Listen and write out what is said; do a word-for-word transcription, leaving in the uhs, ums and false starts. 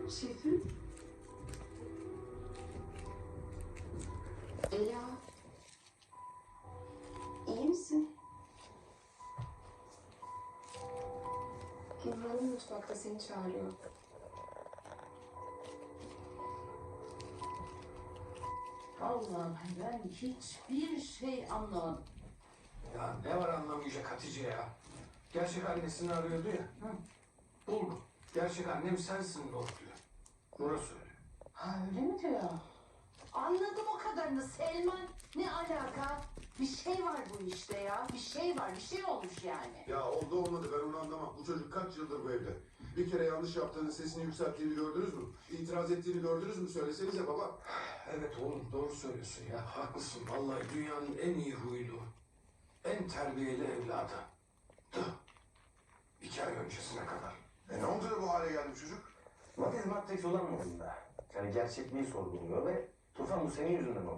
Şefim. Ela. İyi misin? Gülhan Hanım mutfakta seni çağırıyor. Allah'ım ben hiçbir şey anlamadım. Ya ne var anlamayacak Hatice ya? Gerçek annesini arıyordu ya. Hı. Buldu. Gerçek annem sensin Nur diyor. Nur'a söyle. Ha öyle mi diyor? Anladım o kadarını Selman. Ne alaka? Bir şey var bu işte ya. Bir şey var. Bir şey olmuş yani. Ya oldu olmadı ben onu anlamam. Bu çocuk kaç yıldır bu evde? Bir kere yanlış yaptığını, sesini yükselttiğini gördünüz mü? İtiraz ettiğini gördünüz mü? Söylesenize baba. Evet oğlum doğru söylüyorsun ya. Haklısın. Vallahi dünyanın en iyi huylu, en terbiyeli evladı. Dı. İki ay öncesine kadar. E ne oldu da bu hale geldi bu çocuk? Matematik olan modunda. Yani gerçekliği sorguluyor ve Tufan bu senin yüzünden oldu.